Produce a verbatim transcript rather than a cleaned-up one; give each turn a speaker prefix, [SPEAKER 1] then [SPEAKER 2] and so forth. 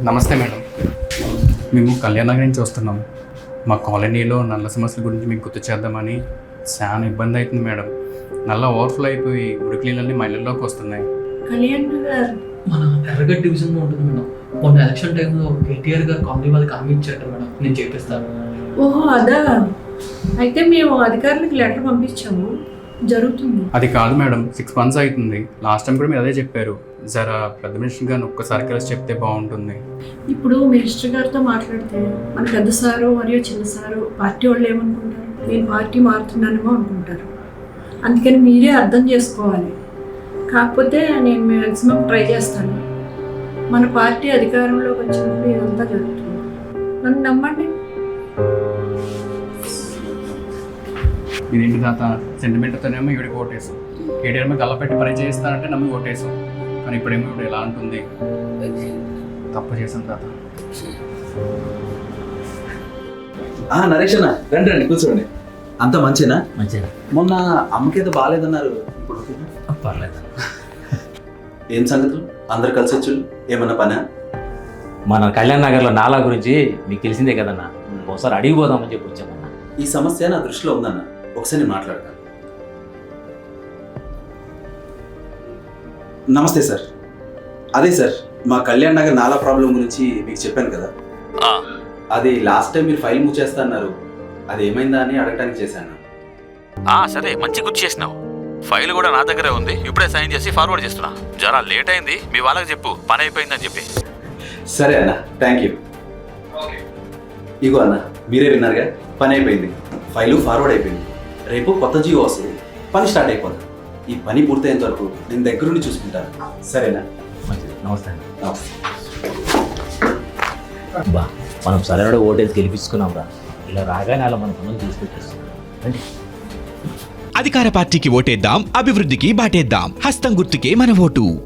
[SPEAKER 1] నమస్తే మేడం, మేము కళ్యాణ్ నగర్ నుంచి వస్తున్నాం. మా కాలనీలో నల్ల సమస్యల గురించి మీకు గుర్తు చేద్దామని. చాలా ఇబ్బంది అవుతుంది మేడం. నల్ల ఓవర్ఫ్లో అయిపోయి మురికి నీళ్ళన్నీ మా ఇళ్ళలోకి వస్తున్నాయి.
[SPEAKER 2] కళ్యాణ్ నగర్
[SPEAKER 3] మన ఎర్రగడ్డ డివిజన్లో ఉంటుంది మేడం. మొన్న ఎలక్షన్ టైంలో కేటీఆర్ గారు కాలనీ వాళ్ళకి హామీ ఇచ్చారు మేడం, నేను చేపిస్తాను.
[SPEAKER 2] ఓహో అదా, అయితే మేము అధికారులకు లెటర్ పంపించాము, జరుగుతుంది.
[SPEAKER 1] అది కాదు మేడం, సిక్స్ మంత్స్ అవుతుంది. లాస్ట్ టైం కూడా మీరు అదే చెప్పారు. జరా పెద్ద మినిస్టర్ గారిని ఒక్కసారి కలిసి చెప్తే బాగుంటుంది.
[SPEAKER 2] ఇప్పుడు మినిస్టర్ గారితో మాట్లాడితే మన పెద్ద సారు మరియు చిన్న సారు పార్టీ వాళ్ళు ఏమనుకుంటారు, నేను పార్టీ మారుతున్నానేమో అనుకుంటారు. అందుకని మీరే అర్థం చేసుకోవాలి. కాకపోతే నేను మ్యాక్సిమం ట్రై చేస్తాను. మన పార్టీ అధికారంలోకి వచ్చినప్పుడు ఇదంతా జరుగుతుంది, నన్ను నమ్మండి.
[SPEAKER 1] ఇదేంటి తాత, సెంటిమెంట్తోనేమో ఇవిడికి ఓటేసాం. కేటీఆర్ మీద గల్లపెట్టి పని చేస్తానంటే నమ్మి ఓటేసాం. కానీ ఇప్పుడేమో ఇప్పుడు ఎలా ఉంటుంది. తప్పు చేశాను తాత.
[SPEAKER 4] నరేష్ అన్న రండి రండి కూర్చోండి. అంత మంచినా?
[SPEAKER 5] మంచిగా.
[SPEAKER 4] మొన్న అమ్మకేదో బాగాలేదన్నారు, ఇప్పుడు ఓకేనా?
[SPEAKER 5] పర్లేదు.
[SPEAKER 4] ఏం సంగతులు? అందరు కలిసి వచ్చు. ఏమన్నా పనా?
[SPEAKER 5] మన కళ్యాణ్ నగర్లో నాలా గురించి మీకు తెలిసిందే కదన్నా, ఒకసారి అడిగిపోదామని చెప్పి వచ్చామన్నా.
[SPEAKER 4] ఈ సమస్య నా దృష్టిలో ఉందన్న, ఒకసారి నేను మాట్లాడతాను. నమస్తే సార్. అదే సార్, మా కళ్యాణ్ నగర్ నాలా ప్రాబ్లం గురించి మీకు చెప్పాను కదా. అది లాస్ట్ టైం మీరు ఫైల్ మూవ్ చేస్తా అన్నారు, అది ఏమైందా అని అడగడానికి చేశాను.
[SPEAKER 6] సరే, మంచి గుర్తు చేసినావు. ఫైల్ కూడా నా దగ్గరే ఉంది, ఇప్పుడే సైన్ చేసి ఫార్వర్డ్ చేస్తున్నా. జరా లేట్ అయింది, మీ వాళ్ళకి చెప్పు పని అయిపోయిందని చెప్పి.
[SPEAKER 4] సరే అన్న, థ్యాంక్ యూ. ఇగో అన్న, మీరే విన్నారుగా, పని అయిపోయింది, ఫైలు ఫార్వర్డ్ అయిపోయింది. రేపు కొత్త జీవో వస్తుంది, పని స్టార్ట్ అయిపోతుంది. ఈ పని పూర్తయ్యేంత వరకు నేను దగ్గరుండి చూసుకుంటాను. సరేనా?
[SPEAKER 5] మంచిది. నమస్తే అండి.
[SPEAKER 4] నమస్తే.
[SPEAKER 5] బా, మనం సరైన ఓటేసి గెలిపించుకున్నాం రా. ఇలా రాగానే అలా మన పనులు తీసుకొచ్చేస్తున్నాం.
[SPEAKER 7] అధికార పార్టీకి ఓటేద్దాం, అభివృద్ధికి బాటేద్దాం. హస్తం గుర్తుకే మన ఓటు.